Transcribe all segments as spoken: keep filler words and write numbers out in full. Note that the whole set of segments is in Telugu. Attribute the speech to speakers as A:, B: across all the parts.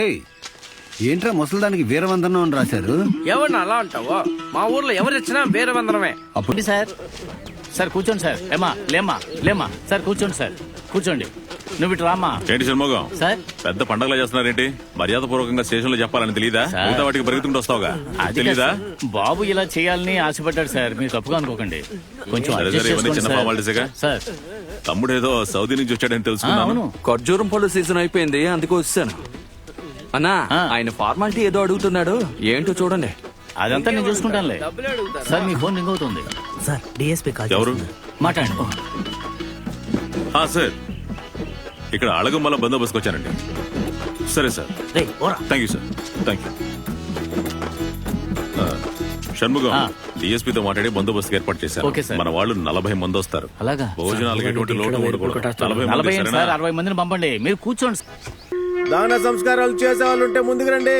A: ఏంట్రా ముసలిదానికి వీరవందనం అని రాశారు?
B: ఎవరిని అలా అంటావో? మా ఊర్లో ఎవరిచ్చినా వీరవందనమే.
C: అప్పుడు సార్ సార్ కూర్చోండి సార్. ఏమా లేమ్మా లేమ్మా సార్ కూర్చోండి సార్ కూర్చోండి. నువ్వు ఇటు రామ్మా.
D: ఏంటి షణ్ముఖం
C: సార్
D: పెద్ద పండగలా చేస్తున్నారేంటి? మర్యాద పూర్వకంగా స్టేషన్ లో చెప్పాలని తెలీదా?
C: సార్.
D: మిగతా వాటికి పరిగెత్తుకుంటూ వస్తావుగా,
C: అది
D: తెలీదా?
C: కాదు. బాబు ఇలా చేయాలని ఆశపడ్డాడు సార్, మీరు తప్పుగా అనుకోకండి. కొంచెం
D: సరే
C: adjust
D: సరే, ఇవన్నీ
C: చేసుకోండి
D: చిన్న
C: సార్.
D: ఫార్మాలిటీసేగా.
C: సార్
D: తమ్ముడు ఏదో సౌదీ నుంచి వచ్చాడని
C: ఆ,
D: తెలుసుకున్నాను.
C: అవును
E: ఖర్జూరం పళ్ళు సీజన్ అయిపోయింది, అందుకు వచ్చాను. అన్నా
C: ఆ.
E: ఆయన ఫార్మాలిటీ ఏదో అడుగుతున్నాడు, ఏంటో చూడండి.
C: అదంతా నేను చూసుకుంటానులే.
B: డబ్బులు అడుగుతారా?
C: సార్ మీ ఫోన్ రింగ్ అవుతుంది.
F: సార్ డిఎస్పీ కాల్
D: ఎవరు?
C: మాట్లాడండి.
D: ఆ, సార్ ఇక్కడ అళగమ్మల బందోబస్తుకు వచ్చానండి. సరే సార్,
F: రేయ్, ఓరా.
D: Thank you sir, thank you. ఆ, షణ్ముఖం
C: ఆ.
D: డిఎస్పీతో మాట్లాడి బందోబస్తుకు ఏర్పాటు చేశారు.
C: Okay sir.
D: మన వాళ్ళు నలభై మంది వస్తారు.
C: అలాగా?
D: భోజనాలకు ఎటువంటి లోటు ఉండకూడదు. నలభై మంది
C: నలభై ఏంటి
D: సరేనా?
C: సార్, అరవై మందిని పంపండి. మీరు కూర్చోండి.
G: దాన సంస్కారాలు చేసే వాళ్ళు ఉంటే ముందుకు రండి.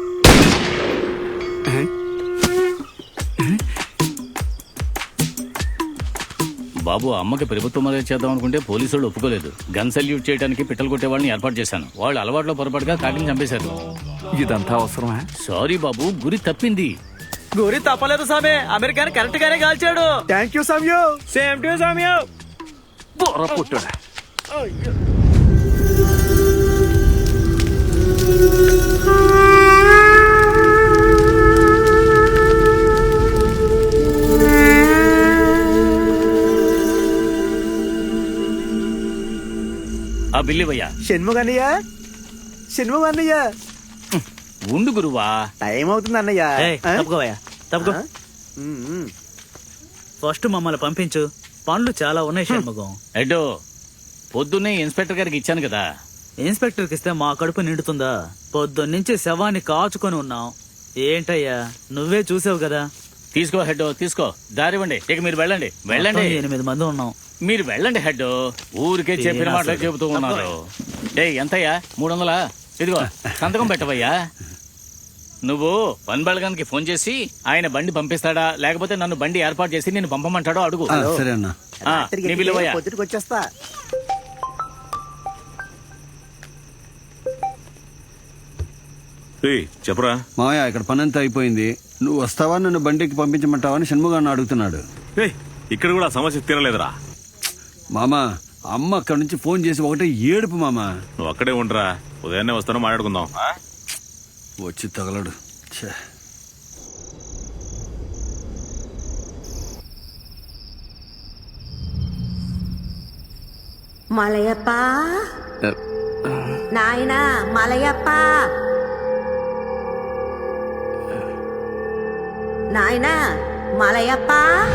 C: బాబు అమ్మకి ప్రభుత్వం మర్యాద చేద్దాం అనుకుంటే పోలీసు వాళ్ళు ఒప్పుకోలేదు. గన్ సల్యూట్ చేయడానికి పిట్టలు కొట్టే వాళ్ళని ఏర్పాటు చేశాను. వాళ్ళు అలవాట్లో పొరపాటుగా కాటిని చంపేశారు.
E: ఇదంతా అవసరమా?
C: సారీ బాబు, గురి తప్పింది.
F: గురి తప్పలేదు సామే, అమెరికాని కరెక్ట్ గానే కాల్చాడు.
G: థ్యాంక్ యూ సామ్యూ.
F: సేమ్ టు సామ్యూ.
E: బుర్ర పుట్టుడా.
C: ఆ బిల్లివయ్యా.
G: షణ్ముగన్నయ్య, షణ్ముగన్నయ్య,
C: ఉండు గురువా.
G: టైం అవుతుంది అన్నయ్య. ఆ?
F: తప్పుకోవయ్యా తప్పుకో.
G: ఆ? ఉమ్, ఉమ్.
F: ఫస్ట్ మమ్మల్ని పంపించు, పనులు చాలా ఉన్నాయి షణ్ముఖం.
C: ఎడ్డో పొద్దున్నే ఇన్స్పెక్టర్ గారికి ఇచ్చాను కదా.
F: ఇన్స్పెక్టర్కి ఇస్తే మా కడుపు నిండుతుందా? పొద్దున్నుంచి శవాన్ని కాచుకొని ఉన్నాం. ఏంటయ్యా నువ్వే చూసావు కదా.
C: తీసుకో హెడ్, తీసుకో. దారివ్వండి. ఇక మీరు వెళ్ళండి వెళ్ళండి.
F: మొత్తం ఎనిమిది మంది ఉన్నాం.
C: మీరు వెళ్ళండి హెడ్. ఊరికే చెప్పిన
F: తీరా
C: మాటలు
F: అసలు.
C: చెబుతూ ఉన్నారు. ఏ ఎంతయ్యా? మూడు వందలా? ఇదిగో సంతకం పెట్టవయ్యా. నువ్వు పని బలగానికి ఫోన్ చేసి ఆయన బండి పంపిస్తాడా లేకపోతే నన్ను బండి ఏర్పాటు చేసి నేను పంపమంటాడో అడుగు.
A: ఆ, సరే అన్న.
C: ఆ,
G: రాత్రికి
C: నీ
G: ఎక్కితే
C: విలువయ్యా.
G: పొద్దుటికి వచ్చేస్తా.
D: ఏయ్, చెప్పరా.
A: మావయ్య ఇక్కడ పని అంతా అయిపోయింది. నువ్వు వస్తావా, నన్ను బండికి పంపించమంటావా అని షణ్ముగాన్ని అడుగుతున్నాడు.
D: ఏయ్, ఇక్కడ కూడా సమస్య తీరలేదురా.
A: మామా, అమ్మ అక్కడి నుంచి ఫోన్ చేసి ఒకటే ఏడుపు మామా.
D: నువ్వు అక్కడే ఉండరా, ఉదయాన్నే వస్తాను, మాట్లాడుకుందాం.
A: వచ్చి తగలడు. ఛే.
H: మలయప్ప నాయనా, మలయప్ప నాయనా, మలయప్ప.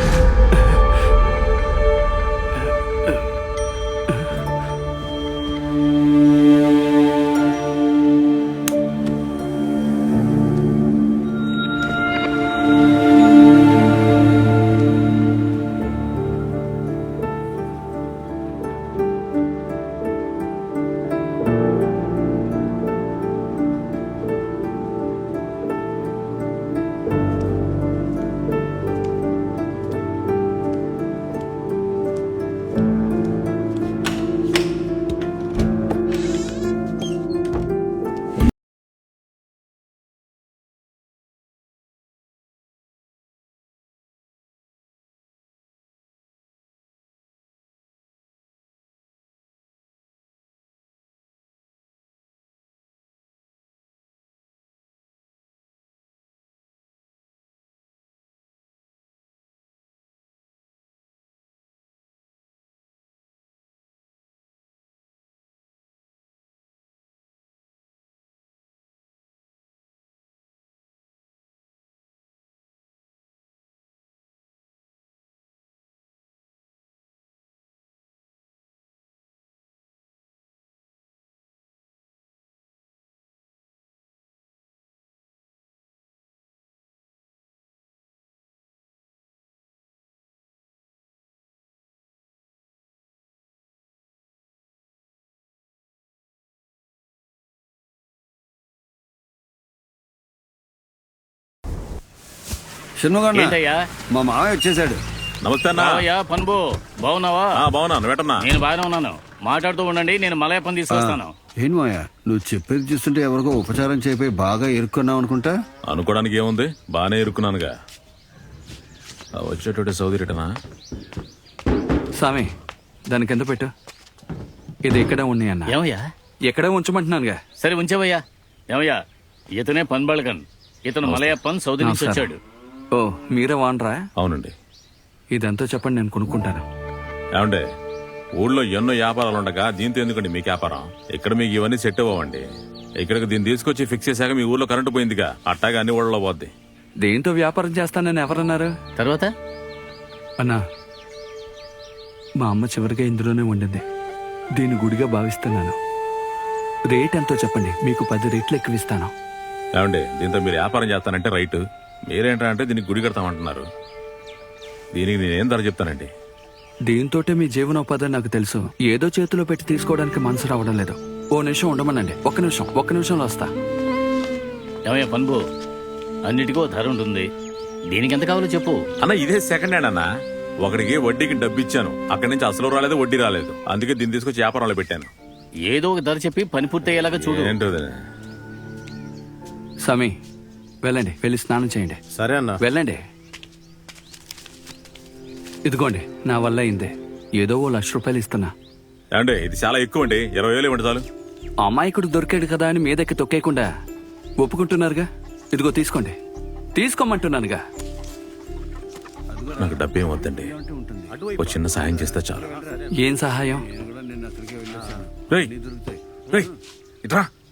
A: షణ్ముగన్న,
C: ఏంటయ్యా?
A: మా మావయ్య వచ్చేసాడు.
D: నమస్తే అన్నా.
C: బావయ్యా, పన్బు బాగున్నావా?
D: ఆ, బాగున్నాను. వెటన్నా.
C: నేను బాగానే ఉన్నాను. మాట్లాడుతూ ఉండండి, నేను మలయప్పని తీసుకొస్తాను.
A: ఏం మాయా నువ్వు చెప్పేది చూస్తుంటే ఎవరికో ఉపచారం చేపి బాగా ఇరుక్కున్నావు అనుకుంటా.
D: అనుకోవడానికి ఏముంది, బాగానే ఇరుక్కున్నానుగా. ఆ వచ్చేటోటే సౌదీ రిటనా?
E: స్వామి దానికి ఎంత పెట్టు. ఇది ఇక్కడే ఉన్నాయి అన్న.
C: ఏమయ్యా?
E: ఎక్కడే ఉంచమంటున్నానుగా.
C: సరే ఉంచావయ్యా. ఏమయ్యా, ఇతనే పన్బళగన్. ఇతను మలయప్పన్ సౌదీ నుంచి వచ్చాడు.
E: ఓ మీరే వానరా?
D: అవునండి.
E: ఇదంతా చెప్పండి, నేను కొనుక్కుంటాను.
D: ఏమండే, ఊళ్ళో ఎన్నో వ్యాపారాలు ఉండగా దీంతో ఎందుకండి మీకు వ్యాపారం? ఇక్కడ మీకు ఇవన్నీ సెట్ అవ్వండి. ఇక్కడికి దీన్ని తీసుకొచ్చి ఫిక్స్ చేశాక మీ ఊళ్ళో కరెంటు పోయిందిగా, అట్టాగా అన్ని ఊళ్ళలో పోద్ది.
E: దేంతో వ్యాపారం చేస్తానని ఎవరన్నారు?
C: తర్వాత
E: అన్నా, మా అమ్మ చివరిగా ఇందులోనే ఉండింది. దీన్ని గుడిగా భావిస్తున్నాను. రేట్ ఎంతో చెప్పండి, మీకు పది రేట్లు ఎక్కువ ఇస్తాను.
D: ఏమండి, దీంతో మీరు వ్యాపారం చేస్తానంటే రైట్, మీరేంటంటే దీనికి గుడి కడతామంటున్నారు. దీనికి నేనేం ధర చెప్తానండి?
E: దీంతోటే మీ జీవనోపాధి నాకు తెలుసు. ఏదో చేతిలో పెట్టి తీసుకోవడానికి మనసు రావడం లేదు. ఓ నిమిషం ఉండమనండి. ఒక్క నిమిషం ఒక్క నిమిషంలో వస్తా.
C: ఏమయ్యా పన్బు, అన్నిటికో ధర ఉంటుంది. దీనికి ఎంత కావాలో చెప్పు.
D: అన్న ఇదే సెకండ్ హ్యాండ్ అన్న. ఒకడికి వడ్డీకి డబ్బు ఇచ్చాను, అక్కడి నుంచి అసలు రాలేదు, వడ్డీ రాలేదు. అందుకే దీన్ని తీసుకొచ్చి వ్యాపారంలో పెట్టాను.
C: ఏదో ఒక ధర చెప్పి పని పూర్తయ్యేలాగా చూడు.
D: ఏంటో
E: సమీ, వెళ్ళండి, వెళ్ళి స్నానం చేయండి.
G: సరే అన్న.
E: వెళ్ళండి. ఇదిగోండి, నా వల్ల అయిందే. ఏదో ఓ లక్ష రూపాయలు ఇస్తున్నా.
D: ఏమండి, ఇది చాలా ఎక్కువ అండి. ఇరవై వేలు ఇవ్వండి చాలు.
E: అమాయకుడు దొరికాడు కదా అని మీదకి తొక్కేయకుండా ఒప్పుకుంటున్నారుగా. ఇదిగో తీసుకోండి. తీసుకోమంటున్నానుగా.
D: నాకు డబ్బేం వద్దండి, ఒక చిన్న సాయం చేస్తే చాలు.
E: ఏం సహాయం?
D: రేయ్, రేయ్, ఇట్రా.